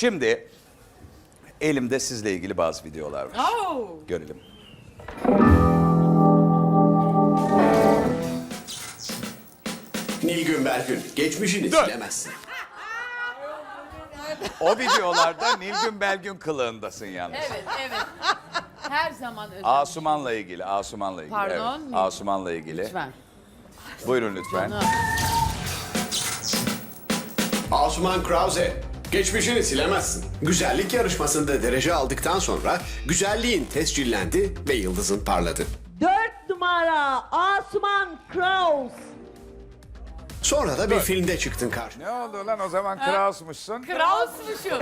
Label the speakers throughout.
Speaker 1: Şimdi elimde sizle ilgili bazı videolar var.
Speaker 2: Oh.
Speaker 1: Görelim.
Speaker 3: Nilgün Belgün, geçmişini
Speaker 1: Dur.
Speaker 3: silemezsin.
Speaker 1: O videolarda Nilgün Belgün kılığındasın yalnız.
Speaker 2: Evet, evet. Her zaman özel.
Speaker 1: Asuman'la ilgili, Asuman'la ilgili.
Speaker 2: Pardon,
Speaker 1: Evet.
Speaker 2: mi?
Speaker 1: Asuman'la ilgili.
Speaker 2: Lütfen.
Speaker 1: Buyurun lütfen.
Speaker 2: Canım.
Speaker 3: Asuman Krause, geçmişini silemezsin. Güzellik yarışmasında derece aldıktan sonra güzelliğin tescillendi ve yıldızın parladı.
Speaker 4: 4 numara Asuman Kraus.
Speaker 3: Sonra da bir filmde çıktın karşıma.
Speaker 1: Ne oldu lan o zaman Kraus'muşsun?
Speaker 2: Kraus'muşum.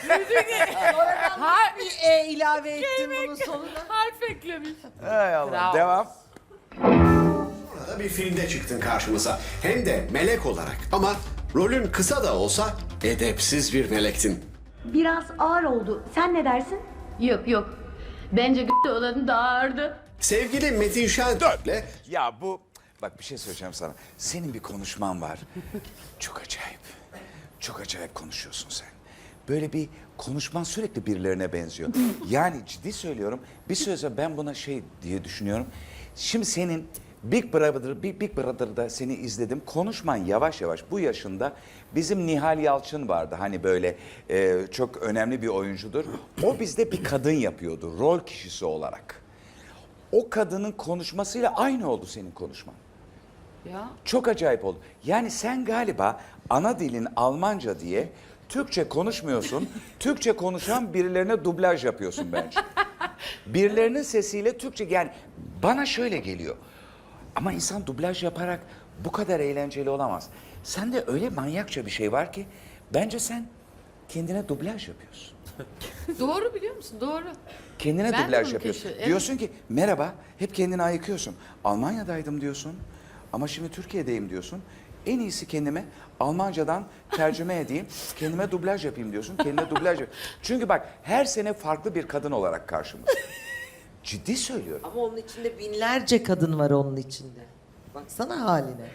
Speaker 4: Bir ilave ettim bunun sonuna.
Speaker 2: Harf eklemiş.
Speaker 1: Hay Allah.
Speaker 2: Kraus.
Speaker 1: Devam.
Speaker 3: Sonra da bir filmde çıktın karşımıza. Hem de melek olarak. Ama rolün kısa da olsa edepsiz bir melektin.
Speaker 5: Biraz ağır oldu. Sen ne dersin?
Speaker 6: Yok yok. Bence g***de olanı daha ağırdı.
Speaker 3: Sevgili Metin Şentürk'le
Speaker 1: Ya bu, bak bir şey söyleyeceğim sana. Senin bir konuşman var. Çok acayip. Çok acayip konuşuyorsun sen. Böyle bir konuşman sürekli birilerine benziyor. Yani ciddi söylüyorum. Bir süre sonra ben buna şey diye düşünüyorum. Şimdi senin Big Brother'da seni izledim. Konuşman yavaş yavaş bu yaşında bizim Nihal Yalçın vardı. Hani böyle çok önemli bir oyuncudur. O bizde bir kadın yapıyordu rol kişisi olarak. O kadının konuşmasıyla aynı oldu senin konuşman.
Speaker 2: Ya.
Speaker 1: Çok acayip oldu. Yani sen galiba ana dilin Almanca diye Türkçe konuşmuyorsun. Türkçe konuşan birilerine dublaj yapıyorsun bence. Birilerinin sesiyle Türkçe, yani bana şöyle geliyor. Ama insan dublaj yaparak bu kadar eğlenceli olamaz. Sende öyle manyakça bir şey var ki bence sen kendine dublaj yapıyorsun.
Speaker 2: Doğru biliyor musun? Doğru.
Speaker 1: Kendine
Speaker 2: Ben de
Speaker 1: dublaj
Speaker 2: bunu
Speaker 1: yapıyorsun.
Speaker 2: keşfettim. Evet.
Speaker 1: Diyorsun ki merhaba, hep kendini ayıkıyorsun. Almanya'daydım diyorsun ama şimdi Türkiye'deyim diyorsun. En iyisi kendime Almancadan tercüme edeyim, kendime dublaj yapayım diyorsun. Kendine dublaj yap. Çünkü bak her sene farklı bir kadın olarak karşımızda. Ciddi söylüyorum.
Speaker 4: Ama onun içinde binlerce kadın var onun içinde. Baksana haline.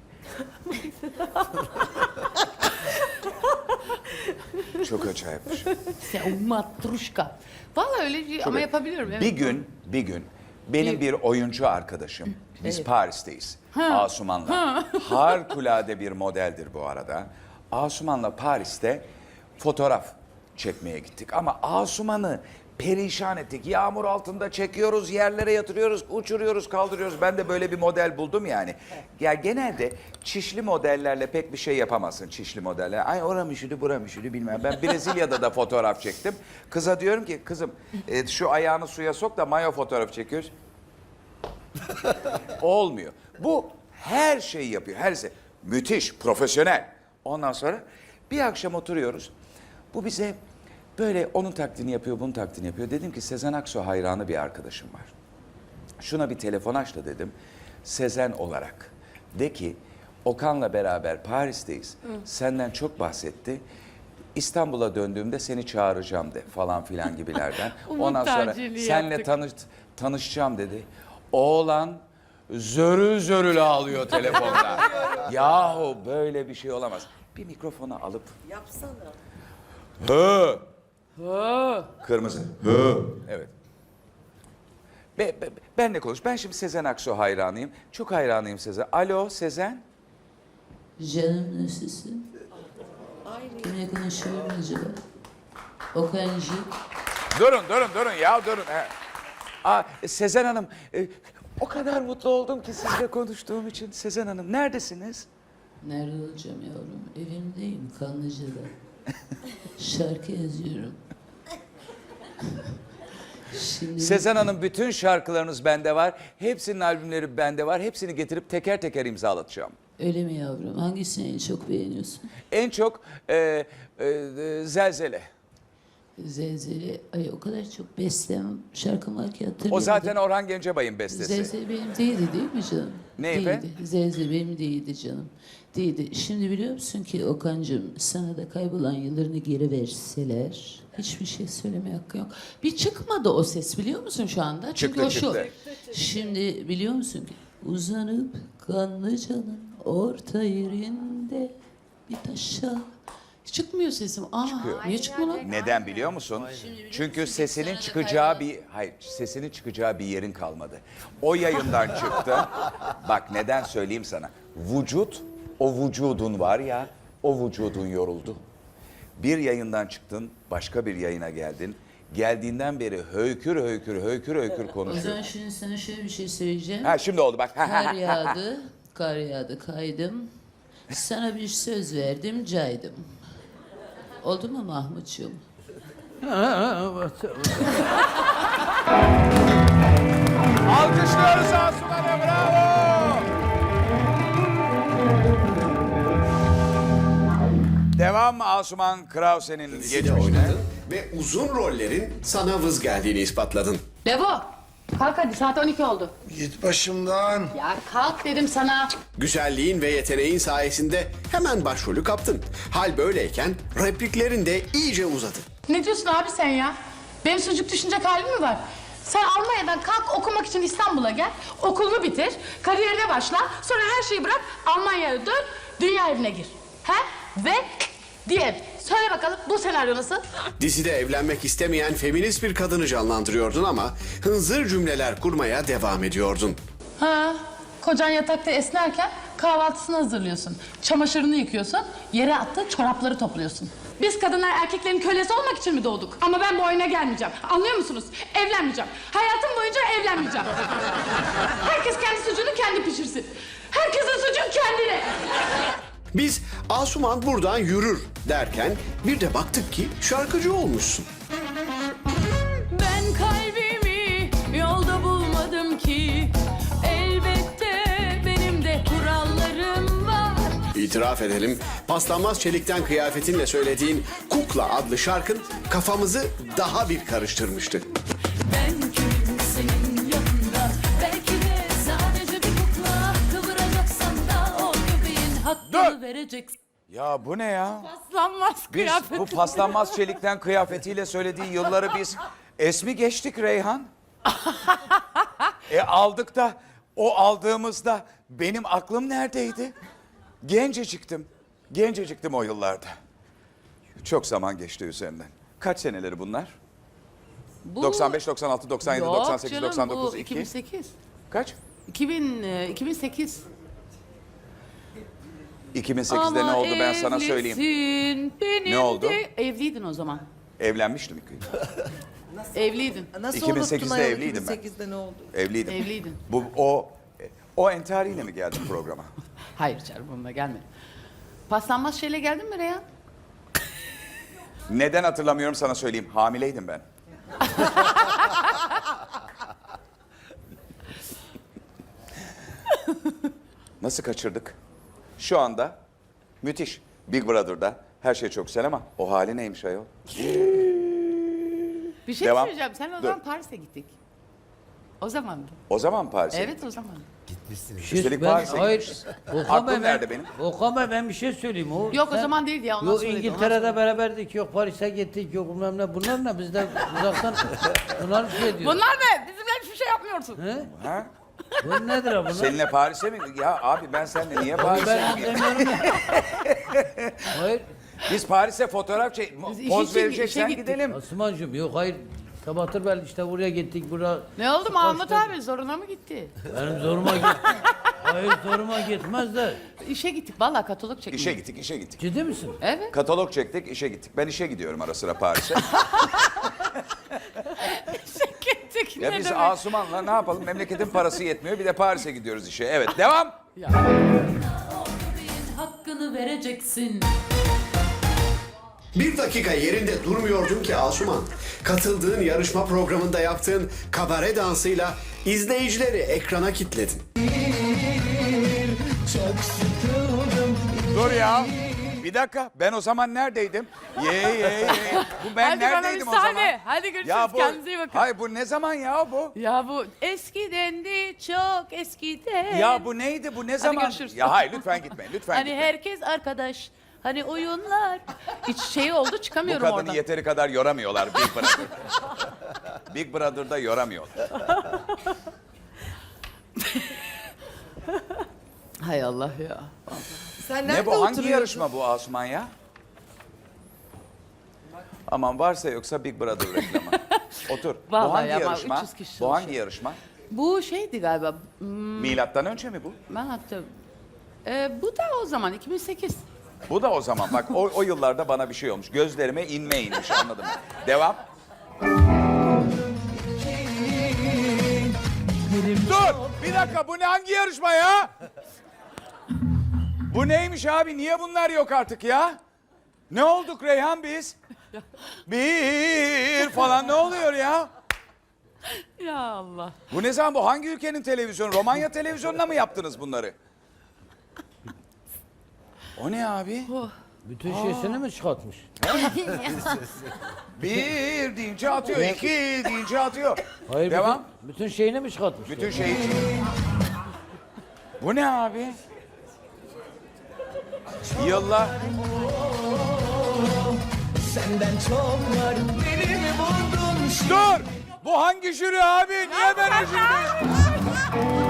Speaker 1: Çok acayip bir şey.
Speaker 2: Sen matruşka. Vallahi öyle bir- ama yapabiliyorum. Evet.
Speaker 1: Bir gün benim bir oyuncu arkadaşım, biz Paris'teyiz. Asuman'la. Harikulade bir modeldir bu arada. Asuman'la Paris'te fotoğraf çekmeye gittik. Ama Asuman'ı perişan ettik. Yağmur altında çekiyoruz, yerlere yatırıyoruz, uçuruyoruz, kaldırıyoruz. Ben de böyle bir model buldum yani. Ya genelde çişli modellerle pek bir şey yapamazsın, çişli modeller. Ay oram üşüdü, buram üşüdü bilmem. Ben Brezilya'da da fotoğraf çektim. Kıza diyorum ki kızım şu ayağını suya sok da mayo fotoğrafı çekiyoruz. Olmuyor. Bu her şeyi yapıyor, her şey. Müthiş, profesyonel. Ondan sonra bir akşam oturuyoruz. Bu bize böyle onun taklidini yapıyor, bunun taklidini yapıyor. Dedim ki Sezen Aksu hayranı bir arkadaşım var. Şuna bir telefon aç da dedim. Sezen olarak. De ki Okan'la beraber Paris'teyiz. Senden çok bahsetti. İstanbul'a döndüğümde seni çağıracağım de falan filan gibilerden.
Speaker 2: Umut
Speaker 1: Ondan sonra
Speaker 2: tacirliği
Speaker 1: senle
Speaker 2: yaptık.
Speaker 1: tanışacağım dedi. Oğlan zörül zörül ağlıyor telefonda. Yahu böyle bir şey olamaz. Bir mikrofonu alıp
Speaker 4: Yapsana.
Speaker 1: hı. Kırmızı. Hı. Evet. Benle konuş. Ben şimdi Sezen Aksu hayranıyım. Çok hayranıyım Sezen. Alo Sezen.
Speaker 7: Canım nasılsın? Kimle konuşuyorum acaba? Okancı.
Speaker 1: Durun ya durun. Sezen Hanım, o kadar mutlu oldum ki sizle konuştuğum için. Sezen Hanım neredesiniz?
Speaker 7: Nerede olacağım yavrum? Evimdeyim Kanlıca'da. Şarkı yazıyorum. Şimdi
Speaker 1: Sezen Hanım bütün şarkılarınız bende var. Hepsinin albümleri bende var. Hepsini getirip teker teker imzalatacağım.
Speaker 7: öyle mi yavrum? Hangisini en çok beğeniyorsun?
Speaker 1: En çok Zelzele.
Speaker 7: Zelzele. Ay o kadar çok bestem şarkım var ki hatırlıyorum.
Speaker 1: O zaten Orhan Gencebay'ın bestesi.
Speaker 7: Zelzele benim değildi değil mi canım?
Speaker 1: Ne
Speaker 7: değildi.
Speaker 1: efendim?
Speaker 7: Zelzele benim değildi canım. Değildi. Şimdi biliyor musun ki Okan'cığım sana da kaybolan yıllarını geri verseler hiçbir şey söylemeye hakkı yok. Bir çıkmadı o ses biliyor musun şu anda? Çünkü
Speaker 1: Çıktı,
Speaker 7: o şu.
Speaker 1: çıktı.
Speaker 7: Şimdi biliyor musun ki uzanıp Kanlıca'nın orta yerinde bir taşa Çıkmıyor sesim. Niye çıkmıyor lan?
Speaker 1: Neden biliyor musun? Çünkü sesinin çıkacağı sesinin çıkacağı bir yerin kalmadı. O yayından çıktı. Bak neden söyleyeyim sana. O vücudun var ya, o vücudun yoruldu. Bir yayından çıktın, başka bir yayına geldin. Geldiğinden beri höykür
Speaker 7: O
Speaker 1: konuşuyor.
Speaker 7: zaman şimdi sana şöyle bir şey söyleyeceğim.
Speaker 1: Ha şimdi oldu bak.
Speaker 7: Kar yağdı, kaydım. Sana bir söz verdim, caydım. Oldu mu Mahmutcuğum?
Speaker 1: Alkışlıyoruz Asuman'a, bravo. Devam Asuman Krause'nin
Speaker 3: Dizide
Speaker 1: geçmişine.
Speaker 3: oynadın ve uzun rollerin sana vız geldiğini ispatladın.
Speaker 6: Levo, kalk hadi saat 12 oldu.
Speaker 8: Git başımdan.
Speaker 6: Ya kalk dedim sana.
Speaker 3: Güzelliğin ve yeteneğin sayesinde hemen başrolü kaptın. Hal böyleyken repliklerin de iyice uzadı.
Speaker 6: Ne diyorsun abi sen ya? Benim sucuk düşünecek halim mi var? Sen Almanya'dan kalk okumak için İstanbul'a gel. Okulunu bitir, kariyerine başla. Sonra her şeyi bırak, Almanya'ya dön, dünya evine gir. He? Ve diye. Söyle bakalım bu senaryo nasıl?
Speaker 3: Dizide evlenmek istemeyen feminist bir kadını canlandırıyordun ama hınzır cümleler kurmaya devam ediyordun.
Speaker 6: Ha, kocan yatakta esnerken kahvaltısını hazırlıyorsun. Çamaşırını yıkıyorsun, yere attığı çorapları topluyorsun. Biz kadınlar erkeklerin kölesi olmak için mi doğduk? Ama ben bu oyuna gelmeyeceğim. Anlıyor musunuz? Evlenmeyeceğim. Hayatım boyunca evlenmeyeceğim. Herkes kendi sucuğunu kendi pişirsin. Herkesin sucuğu kendine.
Speaker 3: Biz Asuman buradan yürür derken bir de baktık ki şarkıcı olmuşsun.
Speaker 6: Ben kalbimi yolda bulmadım ki. Elbette benim de kurallarım var.
Speaker 3: İtiraf edelim, paslanmaz çelikten kıyafetinle söylediğin Kukla adlı şarkın kafamızı daha bir karıştırmıştı.
Speaker 6: Ben kimim senin yanında? Belki de sadece bir kukla. Kıvıracaksan da o göbeğin hakkını vereceksin.
Speaker 1: Ya bu ne ya?
Speaker 2: Paslanmaz
Speaker 1: Biz
Speaker 2: kıyafet.
Speaker 1: bu paslanmaz çelikten kıyafetiyle söylediği yılları biz es mi geçtik Reyhan? Aldık da o aldığımızda benim aklım neredeydi? Genceciktim o yıllarda. Çok zaman geçti üzerinden. Kaç seneleri bunlar?
Speaker 2: Bu...
Speaker 1: 95, 96, 97,
Speaker 2: Yok
Speaker 1: 98,
Speaker 2: canım,
Speaker 1: 99,
Speaker 2: bu
Speaker 1: 2.
Speaker 2: 2008.
Speaker 1: Kaç?
Speaker 2: 2008.
Speaker 1: 2008'de ne oldu ben sana söyleyeyim.
Speaker 2: Evlisin, benim
Speaker 1: Ne oldu?
Speaker 2: de- Evliydin o zaman.
Speaker 1: Evlenmiştim.
Speaker 2: Evliydin.
Speaker 4: Nasıl
Speaker 1: 2008'de
Speaker 4: unuttun ayol,
Speaker 1: evliydim ben.
Speaker 4: 2008'de ne oldu?
Speaker 1: Evliydim.
Speaker 2: Evliydin.
Speaker 1: O entariyle mi geldin programa?
Speaker 2: Hayır canım onunla gelmedim. Paslanmaz şeyle geldin mi Reyhan?
Speaker 1: Neden hatırlamıyorum sana söyleyeyim. Hamileydim ben. Nasıl kaçırdık? Şu anda müthiş. Big Brother'da her şey çok güzel ama o hali neymiş ayol?
Speaker 2: Bir şey
Speaker 1: Devam.
Speaker 2: söyleyeceğim. Sen o
Speaker 1: Dur.
Speaker 2: zaman Paris'e gittik. O zamandı.
Speaker 1: O zaman Paris'e
Speaker 2: Evet
Speaker 1: gittik.
Speaker 2: o zaman.
Speaker 1: Üstelik
Speaker 9: Ben-
Speaker 1: Paris'e
Speaker 9: hayır.
Speaker 1: gitmişiz.
Speaker 9: Okan
Speaker 1: Aklım
Speaker 9: Bey,
Speaker 1: nerede benim?
Speaker 9: Okan Bey ben bir şey söyleyeyim.
Speaker 2: Yok o zaman değildi ya. Ondan
Speaker 9: Yok
Speaker 2: sonra dedi, ondan
Speaker 9: İngiltere'de
Speaker 2: sonra.
Speaker 9: beraberdik, yok Paris'e gittik, yok bilmem ne. Bunlar ne? Biz de uzaktan bunlar bir şey diyor.
Speaker 2: Bunlar ne? Bizimle hiçbir şey yapmıyorsun.
Speaker 9: He?
Speaker 1: Ha?
Speaker 9: Bu nedir ha bunlar?
Speaker 1: Seninle Paris'e mi? Ya abi ben seninle niye Paris'e
Speaker 9: Ben
Speaker 1: gideyim?
Speaker 9: anlamıyorum ya. Hayır.
Speaker 1: Biz Paris'e fotoğraf
Speaker 2: Biz iş
Speaker 1: poz
Speaker 2: için
Speaker 1: vereceksen
Speaker 2: işe gittik.
Speaker 1: gidelim.
Speaker 9: Asumancığım yok hayır. Sabahtır ben işte buraya gittik, buraya.
Speaker 2: Ne oldu Mahmut
Speaker 9: Kaçta-
Speaker 2: abi? Zoruna mı gitti?
Speaker 9: Benim zoruma git. Hayır zoruma gitmez de.
Speaker 2: İşe gittik. Vallahi katalog çekmeye.
Speaker 1: İşe gittik.
Speaker 9: Ciddi misin?
Speaker 2: Evet.
Speaker 1: Katalog çektik, işe gittik. Ben işe gidiyorum ara sıra Paris'e.
Speaker 2: Gittik.
Speaker 1: Ya
Speaker 2: Ne
Speaker 1: biz
Speaker 2: demek?
Speaker 1: Asuman'la ne yapalım? Memleketin parası yetmiyor. Bir de Paris'e gidiyoruz işe. Evet, devam.
Speaker 7: Hakkını vereceksin.
Speaker 3: Bir dakika yerinde durmuyordun ki Asuman. Katıldığın yarışma programında yaptığın kabare dansıyla izleyicileri ekrana kilitledin.
Speaker 1: Dur ya. Bir dakika. Ben o zaman neredeydim? Ye. Bu ben
Speaker 2: Hadi bana
Speaker 1: neredeydim o
Speaker 2: müsaade.
Speaker 1: zaman?
Speaker 2: Hadi görüşürüz.
Speaker 1: Ya bu,
Speaker 2: Kendinize iyi bakın.
Speaker 1: hayır bu ne zaman ya bu?
Speaker 2: Ya bu eskidendi, çok eskiden.
Speaker 1: Ya bu neydi? Bu ne zaman?
Speaker 2: görüşürüz.
Speaker 1: Ya hayır lütfen gitmeyin. Lütfen
Speaker 2: Hani
Speaker 1: gitmeyin.
Speaker 2: herkes arkadaş. Hani oyunlar. Hiç şey oldu
Speaker 1: Bu
Speaker 2: çıkamıyorum
Speaker 1: kadını
Speaker 2: oradan.
Speaker 1: yeteri kadar yoramıyorlar Big Brother'da. Big Brother'da yoramıyorlar.
Speaker 2: Hay Allah ya.
Speaker 4: Sen
Speaker 1: Ne
Speaker 4: nerede
Speaker 1: bu? Hangi
Speaker 4: oturuyorsun?
Speaker 1: yarışma bu Asuman ya? Aman varsa yoksa Big Brother reklamı. Otur. Bu
Speaker 2: Vallahi
Speaker 1: hangi
Speaker 2: ama
Speaker 1: yarışma?
Speaker 2: 300 kişi
Speaker 1: Bu hangi
Speaker 2: çalışıyor.
Speaker 1: yarışma?
Speaker 2: Bu şeydi galiba.
Speaker 1: Milattan önce mi bu?
Speaker 2: Ben hatta bu da o zaman 2008.
Speaker 1: Bu da o zaman. Bak o yıllarda bana bir şey olmuş. Gözlerime inme inmiş anladım. Devam. Dur! Bir dakika bu ne hangi yarışma ya? Bu neymiş abi? Niye bunlar yok artık ya? Ne olduk Reyhan biz? Bir falan ne oluyor ya?
Speaker 2: Ya Allah.
Speaker 1: Bu ne zaman bu? Hangi ülkenin televizyonu? Romanya televizyonuna mı yaptınız bunları? O ne abi?
Speaker 9: Bütün şeysini mi çıkartmış?
Speaker 1: Bir deyince atıyor, iki deyince atıyor.
Speaker 9: Hayır,
Speaker 1: Devam.
Speaker 9: Bütün şeyini mi çıkartmış?
Speaker 1: Bütün şeyi... Bu ne abi? Yıllar...
Speaker 8: Senden çok var beni mi buldun?
Speaker 1: Dur! Bu hangi jüri abi? Niye ben o jüri?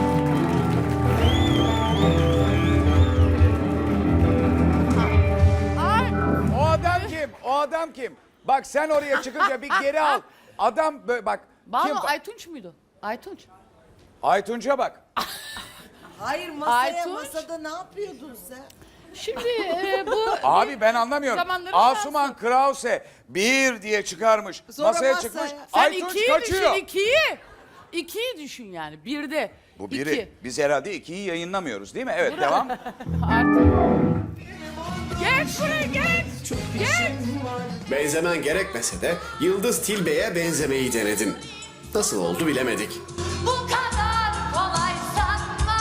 Speaker 1: O adam kim? O adam kim? Bak sen oraya çıkınca bir geri al. Adam böyle bak.
Speaker 2: Banu
Speaker 1: Kim?
Speaker 2: Aytunç muydu? Aytunç.
Speaker 1: Aytunç'a bak.
Speaker 4: Hayır masaya
Speaker 2: Aytunç.
Speaker 4: masada ne yapıyordun sen?
Speaker 2: Şimdi bu
Speaker 1: Abi ben anlamıyorum.
Speaker 2: Zamanları
Speaker 1: Asuman Krause bir diye çıkarmış.
Speaker 4: Sonra
Speaker 1: masaya
Speaker 4: masaya.
Speaker 1: çıkmış.
Speaker 2: sen
Speaker 1: Aytunç
Speaker 2: ikiyi
Speaker 1: kaçıyor.
Speaker 2: düşün ikiyi. İkiyi düşün yani birde.
Speaker 1: Bu biri.
Speaker 2: İki.
Speaker 1: Biz herhalde ikiyi yayınlamıyoruz değil mi? Evet devam.
Speaker 2: Artık. Geç buraya geç. Geç.
Speaker 3: Benzemen gerekmese de Yıldız Tilbe'ye benzemeyi denedin. Nasıl oldu bilemedik.
Speaker 10: Bu kadar kolay sanma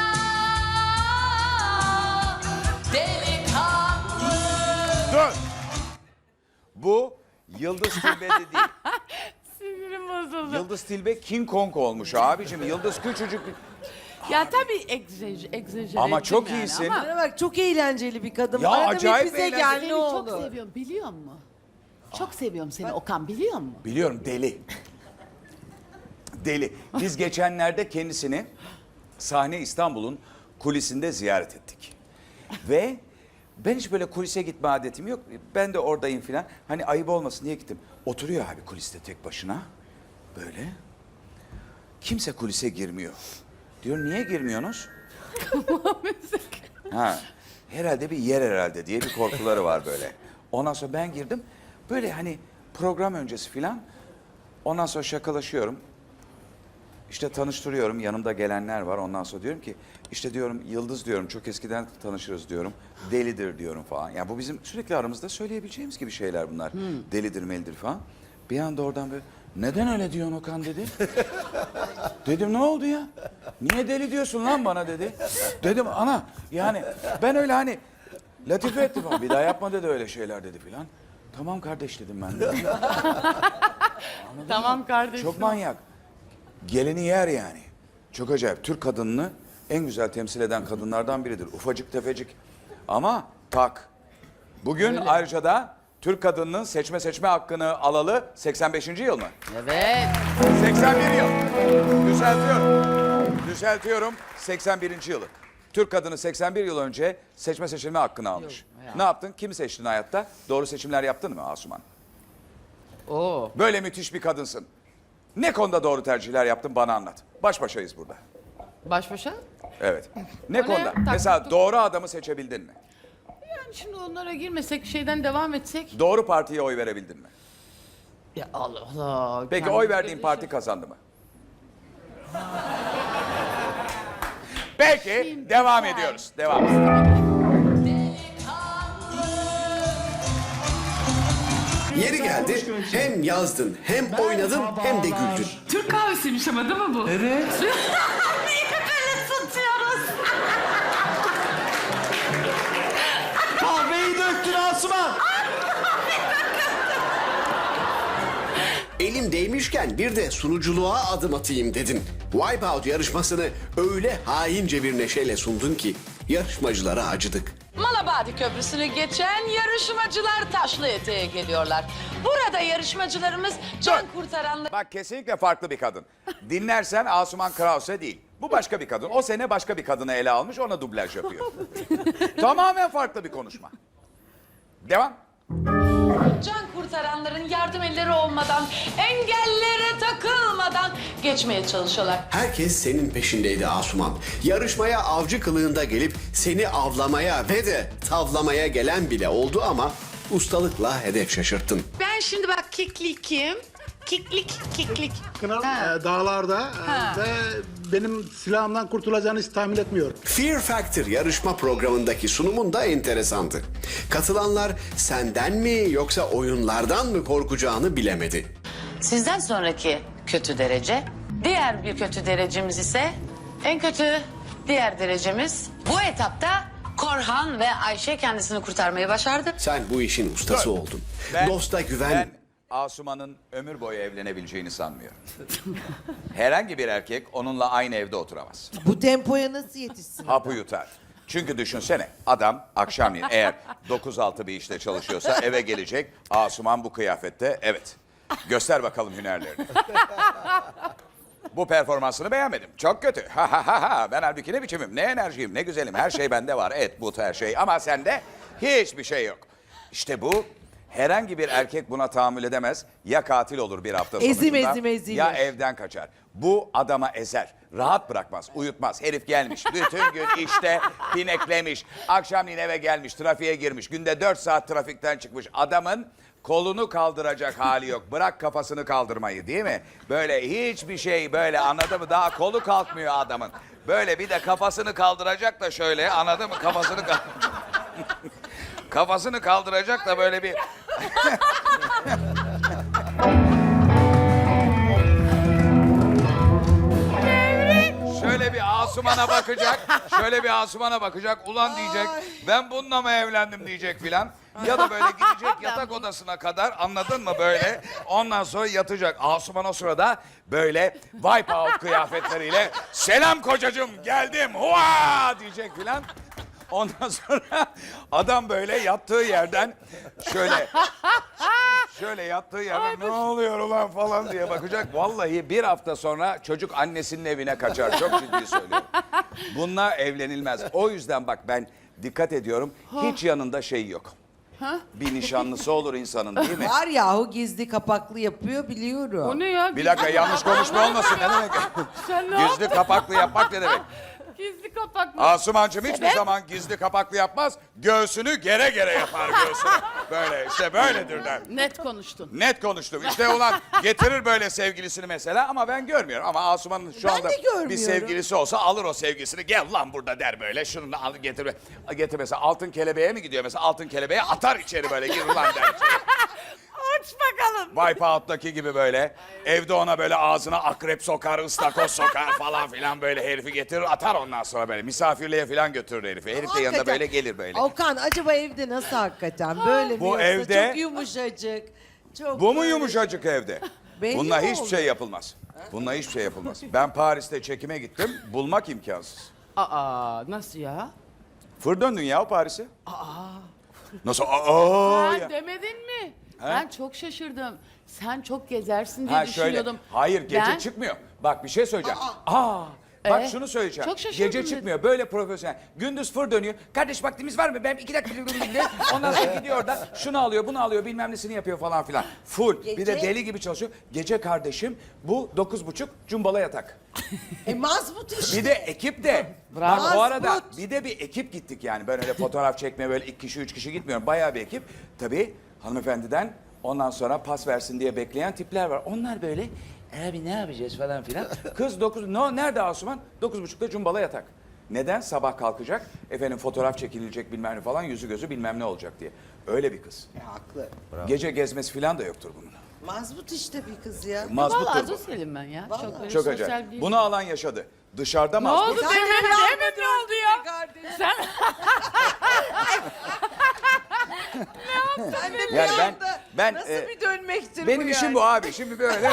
Speaker 10: delikanlı.
Speaker 1: Dur. Bu Yıldız Tilbe de değil.
Speaker 2: Sinirim bozuldu.
Speaker 1: Yıldız Tilbe King Kong olmuş abicim. Yıldız küçücük bir...
Speaker 2: Ya tabii egzajere
Speaker 1: Ama
Speaker 2: ettim
Speaker 1: çok
Speaker 2: yani
Speaker 1: iyisin.
Speaker 2: ama
Speaker 4: Bana bak çok eğlenceli bir kadın.
Speaker 1: Ya,
Speaker 4: Arada
Speaker 1: acayip
Speaker 4: bir bize
Speaker 1: eğlenceli.
Speaker 4: gel
Speaker 2: seni
Speaker 4: ne
Speaker 2: çok
Speaker 4: olur.
Speaker 2: seviyorum biliyor musun? Çok seviyorum seni Okan biliyor musun?
Speaker 1: Biliyorum deli. Deli. Biz geçenlerde kendisini Sahne İstanbul'un kulisinde ziyaret ettik. Ve ben hiç böyle kulise gitme adetim yok. Ben de oradayım filan. Hani ayıp olmasın diye gittim. Oturuyor abi kuliste tek başına. Böyle. Kimse kulise girmiyor. Diyor niye girmiyorsunuz? Ha, herhalde bir yer herhalde diye bir korkuları var böyle. Ondan sonra ben girdim. Böyle hani program öncesi filan. Ondan sonra şakalaşıyorum. İşte tanıştırıyorum. Yanımda gelenler var. Ondan sonra diyorum ki işte diyorum Yıldız diyorum çok eskiden tanışırız diyorum. Delidir diyorum falan. Yani bu bizim sürekli aramızda söyleyebileceğimiz gibi şeyler bunlar. Delidir melidir falan. Bir anda oradan böyle neden öyle diyorsun Okan dedi. Dedim ne oldu ya? Niye deli diyorsun lan bana dedi. Dedim ana yani ben öyle hani latife ettim ama bir daha yapma dedi öyle şeyler dedi filan. Tamam kardeş dedim ben de.
Speaker 2: Tamam kardeşim.
Speaker 1: Çok manyak. Geleni yer yani. Çok acayip. Türk kadınını en güzel temsil eden kadınlardan biridir. Ufacık tefecik. Ama tak. Bugün ayrıca da Türk kadınının seçme hakkını alalı 85. yıl mı?
Speaker 2: Evet.
Speaker 1: 81 yıl. Düzeltiyorum. 81. yılı. Türk kadını 81 yıl önce seçme hakkını almış. Ne yaptın? Kimi seçtin hayatta? Doğru seçimler yaptın mı Asuman?
Speaker 2: Oo.
Speaker 1: Böyle müthiş bir kadınsın. Ne konuda doğru tercihler yaptın bana anlat. Baş başayız burada.
Speaker 2: Baş başa?
Speaker 1: Evet. Ne
Speaker 2: O ne?
Speaker 1: konuda?
Speaker 2: Tak-
Speaker 1: Mesela doğru adamı seçebildin mi?
Speaker 2: Yani şimdi onlara girmesek şeyden devam etsek.
Speaker 1: Doğru partiye oy verebildin mi?
Speaker 2: Ya Allah Allah.
Speaker 1: Peki
Speaker 2: kendimize
Speaker 1: oy verdiğin
Speaker 2: göre
Speaker 1: parti
Speaker 2: şey-
Speaker 1: kazandı mı? Peki devam ediyoruz. Devam.
Speaker 3: Yeri geldi hem yazdın hem oynadın hem de güldün.
Speaker 6: Türk kahvesiymiş ama değil mi bu?
Speaker 8: Evet.
Speaker 6: Niye böyle tutuyoruz?
Speaker 8: Kahveyi döktün Asuman.
Speaker 3: Elim değmişken bir de sunuculuğa adım atayım dedin. Wipeout yarışmasını öyle haince bir neşeyle sundun ki yarışmacılara acıdık.
Speaker 11: Malabadi Köprüsü'nü geçen yarışmacılar Taşlı Eteğe geliyorlar. Burada yarışmacılarımız can kurtaranlar...
Speaker 1: Bak kesinlikle farklı bir kadın. Dinlersen Asuman Krause değil. Bu başka bir kadın. O sene başka bir kadını ele almış ona dublaj yapıyor. Tamamen farklı bir konuşma. Devam.
Speaker 11: Can kurtaranların yardım elleri olmadan, engellere takılmadan geçmeye çalışıyorlar.
Speaker 3: Herkes senin peşindeydi Asuman. Yarışmaya avcı kılığında gelip seni avlamaya ve de tavlamaya gelen bile oldu ama ustalıkla hedef şaşırttın.
Speaker 6: Ben şimdi bak kiklikim. Kiklik.
Speaker 12: Kınal
Speaker 6: Ha.
Speaker 12: dağlarda
Speaker 6: Ha.
Speaker 12: ve benim silahımdan kurtulacağını hiç tahmin etmiyorum.
Speaker 3: Fear Factor yarışma programındaki sunumun da enteresandı. Katılanlar senden mi yoksa oyunlardan mı korkacağını bilemedi.
Speaker 11: Sizden sonraki kötü derece, diğer bir kötü derecemiz ise en kötü diğer derecemiz. Bu etapta Korhan ve Ayşe kendisini kurtarmayı başardı.
Speaker 3: Sen bu işin ustası oldun. Dosta güven.
Speaker 1: Ben Asuman'ın ömür boyu evlenebileceğini sanmıyorum. Herhangi bir erkek onunla aynı evde oturamaz.
Speaker 4: Bu tempoya nasıl yetişsin?
Speaker 1: Hapı yutar. Çünkü düşünsene adam akşamleyin eğer 9-6 bir işte çalışıyorsa eve gelecek. Asuman bu kıyafette, evet. Göster bakalım hünerlerini. Bu performansını beğenmedim. Çok kötü. Ha ha ha ha. Ben halbuki ne biçimim, ne enerjiyim, ne güzelim. Her şey bende var. Et, but, her şey. Ama sende hiçbir şey yok. İşte bu. Herhangi bir erkek buna tahammül edemez. Ya katil olur bir hafta sonucunda.
Speaker 4: Ezilir.
Speaker 1: Ya evden kaçar. Bu adama ezer. Rahat bırakmaz, uyutmaz. Herif gelmiş. Bütün gün işte pineklemiş. Akşamleyin eve gelmiş, trafiğe girmiş. Günde 4 saat trafikten çıkmış. Adamın kolunu kaldıracak hali yok. Bırak kafasını kaldırmayı, değil mi? Böyle hiçbir şey böyle, anladın mı? Daha kolu kalkmıyor adamın. Böyle bir de kafasını kaldıracak da şöyle, anladın mı? Kafasını kaldıracak da böyle bir... Şöyle bir Asuman'a bakacak, şöyle bir Asuman'a bakacak, ulan diyecek, ben bununla mı evlendim diyecek filan. Ya da böyle gidecek yatak odasına kadar, anladın mı böyle, ondan sonra yatacak. Asuman o sırada böyle wipe out kıyafetleriyle, selam kocacığım geldim, hua diyecek filan. Ondan sonra adam böyle yattığı yerden şöyle yattığı yerden ne oluyor ulan falan diye bakacak. Vallahi bir hafta sonra çocuk annesinin evine kaçar. Çok ciddi söylüyorum. Bununla evlenilmez. O yüzden bak ben dikkat ediyorum. Hiç yanında şey yok. Bir nişanlısı olur insanın, değil mi?
Speaker 4: Var yahu gizli kapaklı yapıyor biliyorum.
Speaker 2: O ne ya?
Speaker 1: Bir dakika yanlış konuşma olmasın. Ne demek?
Speaker 2: Sen ne
Speaker 1: Gizli kapaklı yapmak ne demek?
Speaker 2: Gizli kapaklı.
Speaker 1: Asumancığım hiçbir zaman gizli kapaklı yapmaz. Göğsünü gere gere yapar göğsünü. Böyle işte böyledir der.
Speaker 2: Net konuştun.
Speaker 1: Net konuştum. İşte ulan getirir böyle sevgilisini mesela ama ben görmüyorum. Ama Asuman'ın şu
Speaker 4: Ben
Speaker 1: anda
Speaker 4: de görmüyorum.
Speaker 1: bir sevgilisi olsa alır o sevgilisini. Gel lan burada der böyle. Şunu da al getir. Getir mesela altın kelebeğe mi gidiyor? Mesela altın kelebeğe atar içeri böyle. Gir ulan der içeri.
Speaker 2: Aç bakalım.
Speaker 1: Wipeout'taki gibi böyle. Evde ona böyle ağzına akrep sokar, ıstakoz sokar falan filan böyle herifi getirir atar ondan sonra böyle. Misafirliğe filan götürür herifi. Herif de yanında
Speaker 4: Hakikaten.
Speaker 1: böyle gelir böyle.
Speaker 4: Okan acaba evde nasıl hakikaten? Böyle mi
Speaker 1: Bu
Speaker 4: yoksa
Speaker 1: evde-
Speaker 4: çok yumuşacık. Çok
Speaker 1: Bu mu
Speaker 4: böyle-
Speaker 1: yumuşacık evde?
Speaker 4: Belli
Speaker 1: Bununla
Speaker 4: mi
Speaker 1: hiçbir
Speaker 4: oldu?
Speaker 1: şey yapılmaz. Bununla hiçbir şey yapılmaz. Ben Paris'te çekime gittim. Bulmak imkansız.
Speaker 2: Aa nasıl ya?
Speaker 1: Fır döndün ya Paris'e. Nasıl? Aa
Speaker 2: Sen
Speaker 1: ya.
Speaker 2: demedin mi?
Speaker 1: He?
Speaker 2: Ben çok şaşırdım. Sen çok gezersin diye
Speaker 1: Ha şöyle.
Speaker 2: düşünüyordum.
Speaker 1: Hayır gece
Speaker 2: Ben-
Speaker 1: çıkmıyor. Bak bir şey söyleyeceğim. Bak şunu söyleyeceğim.
Speaker 2: çok şaşırdım
Speaker 1: Gece
Speaker 2: dedim.
Speaker 1: çıkmıyor. Böyle profesyonel. Gündüz fır dönüyor. Kardeş vaktimiz var mı? Ben 2 dakika diye. Ondan sonra gidiyor orada. Şunu alıyor, bunu alıyor, bilmem nesini yapıyor falan filan. Full. Bir de
Speaker 4: Gece-
Speaker 1: deli gibi çalışıyor. Gece kardeşim bu 9.30 cumbala yatak.
Speaker 4: Mazbut işte.
Speaker 1: Bir de ekip de.
Speaker 2: Bravo.
Speaker 1: Bak o arada
Speaker 4: Mazbut.
Speaker 1: bir de bir ekip gittik yani. Ben öyle fotoğraf çekmeye böyle 2 kişi 3 kişi gitmiyorum. Bayağı bir ekip. Tabii hanımefendiden ondan sonra pas versin diye bekleyen tipler var. Onlar böyle abi ne yapacağız falan filan. Kız 9 nerede Asuman? 9.30'da cumbala yatak. Neden? Sabah kalkacak. Efendim fotoğraf çekilecek bilmem ne falan yüzü gözü bilmem ne olacak diye. Öyle bir kız.
Speaker 4: Haklı.
Speaker 1: Gece gezmesi falan da yoktur bunun.
Speaker 4: Mazbut işte bir kız ya.
Speaker 2: Vallahi
Speaker 1: Mazbuttur bu.
Speaker 2: sosyalim ben ya. Çok böyle
Speaker 1: Çok
Speaker 2: sosyal
Speaker 1: acayip.
Speaker 2: bir...
Speaker 1: Bunu alan yaşadı. Dışarıda
Speaker 2: Ne
Speaker 1: mazbut.
Speaker 2: oldu
Speaker 4: Sen
Speaker 2: demin?
Speaker 4: de
Speaker 2: Demin ne oldu ya?
Speaker 4: Kardeşim.
Speaker 2: Sen
Speaker 4: Sen de bir
Speaker 1: Yani ben
Speaker 4: nasıl bir dönmektir
Speaker 1: benim
Speaker 4: bu
Speaker 1: işim
Speaker 4: yani?
Speaker 1: bu abi. Şimdi böyle.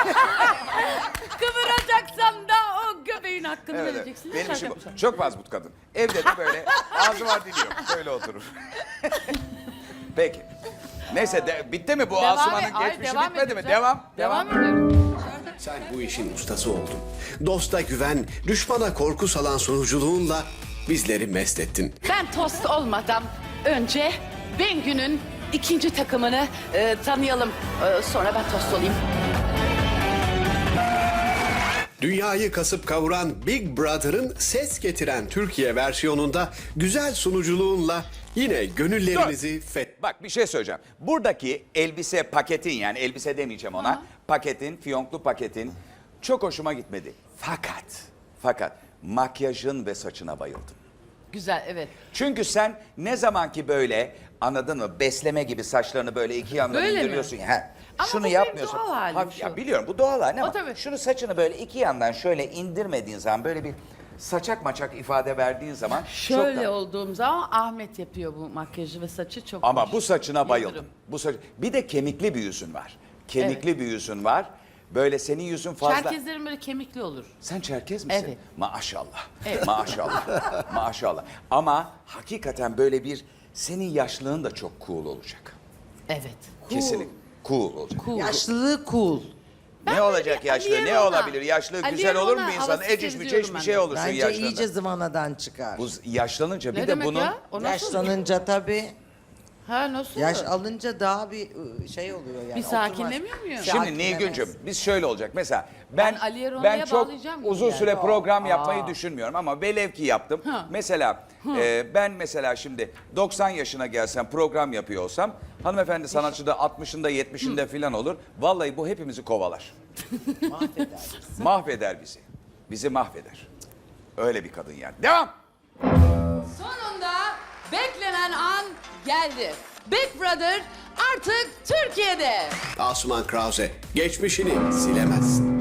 Speaker 2: kıvıracaksan da o göbeğin hakkını
Speaker 1: Evet,
Speaker 2: vereceksin.
Speaker 1: benim
Speaker 2: Şaka
Speaker 1: işim bu.
Speaker 2: yapacağım.
Speaker 1: Çok mazbut kadın. Evde de böyle ağzı var dili yok. Böyle oturur. Peki. Neyse bitti mi bu Asuman'ın
Speaker 2: Ay,
Speaker 1: geçmişi
Speaker 2: devam
Speaker 1: bitmedi mi?
Speaker 2: edeceğim.
Speaker 1: Devam.
Speaker 2: Devam ediyorum.
Speaker 3: Sen bu işin ustası oldun. Dosta güven, düşmana korku salan sunuculuğunla bizleri mest ettin.
Speaker 6: Ben tost olmadan önce Bengü'nün ikinci takımını tanıyalım. Sonra ben tost olayım.
Speaker 3: Dünyayı kasıp kavuran Big Brother'ın ses getiren Türkiye versiyonunda güzel sunuculuğunla yine gönüllerimizi
Speaker 1: Bak bir şey söyleyeceğim. Buradaki elbise paketin, yani elbise demeyeceğim ona. Paketin, fiyonklu paketin çok hoşuma gitmedi. Fakat makyajın ve saçına bayıldım.
Speaker 2: Güzel, evet.
Speaker 1: Çünkü sen ne zaman ki böyle, anladın mı, besleme gibi saçlarını böyle iki yandan
Speaker 2: Böyle mi?
Speaker 1: indiriyorsun. He.
Speaker 2: Ama
Speaker 1: Şunu
Speaker 2: bu benim
Speaker 1: yapmıyorsun.
Speaker 2: doğal halim
Speaker 1: Hafif-
Speaker 2: şu.
Speaker 1: ya biliyorum bu doğal halin
Speaker 2: O
Speaker 1: ama
Speaker 2: tabii.
Speaker 1: şunu saçını böyle iki yandan şöyle indirmediğin zaman, böyle bir saçak maçak ifade verdiğin zaman
Speaker 2: Şöyle
Speaker 1: çok da...
Speaker 2: olduğum zaman Ahmet yapıyor bu makyajı ve saçı çok
Speaker 1: Ama
Speaker 2: hoş.
Speaker 1: bu saçına bayıldım.
Speaker 2: Yıldırım.
Speaker 1: Bu saç... Bir de kemikli bir yüzün var. Kemikli bir yüzün var. Böyle senin yüzün fazla...
Speaker 2: Çerkezlerin böyle kemikli olur.
Speaker 1: Sen Çerkez misin?
Speaker 2: Evet.
Speaker 1: Maşallah.
Speaker 2: Evet.
Speaker 1: Maşallah. Maşallah. Ama hakikaten böyle bir, senin yaşlılığın da çok cool olacak.
Speaker 2: Evet.
Speaker 1: Kesinlikle. Cool olacak.
Speaker 2: Cool.
Speaker 4: Yaşlılığı cool.
Speaker 1: Ne olacak yaşlı?
Speaker 2: Ali
Speaker 1: Ne
Speaker 2: Erol'a-
Speaker 1: olabilir? Yaşlı
Speaker 2: Ali
Speaker 1: güzel olur mu
Speaker 2: Erol'a
Speaker 1: insan?
Speaker 2: havası
Speaker 1: Eciş
Speaker 2: seziyorum
Speaker 1: büceş bir
Speaker 2: ben
Speaker 1: şey
Speaker 2: de.
Speaker 1: olursun
Speaker 4: Bence
Speaker 1: yaşlanınca.
Speaker 4: iyice zıvanadan çıkar.
Speaker 1: Bu yaşlanınca bir
Speaker 2: Ne
Speaker 1: de
Speaker 2: demek
Speaker 1: bunun...
Speaker 2: ya? O nasıl?
Speaker 4: Yaşlanınca tabii.
Speaker 2: Ha nasıl?
Speaker 4: Yaş alınca daha bir şey oluyor yani.
Speaker 2: Bir sakinlemiyor muyum?
Speaker 1: Şimdi
Speaker 4: Sakinlemez.
Speaker 1: Nilgüncüm biz şöyle olacak mesela
Speaker 2: Ben Ali Erol'a
Speaker 1: ben çok
Speaker 2: bağlayacağım
Speaker 1: uzun
Speaker 2: yani.
Speaker 1: süre program yapmayı düşünmüyorum ama velev ki yaptım.
Speaker 2: Ha.
Speaker 1: Mesela ben mesela şimdi 90 yaşına gelsem program yapıyor olsam, hanımefendi sanatçı da 60'ında 70'inde falan olur. Vallahi bu hepimizi kovalar.
Speaker 4: Mahveder.
Speaker 1: Mahveder bizi. Bizi mahveder. Öyle bir kadın yani. Devam.
Speaker 2: Sonunda beklenen an geldi. Big Brother artık Türkiye'de.
Speaker 3: Asuman Krause, geçmişini silemezsin.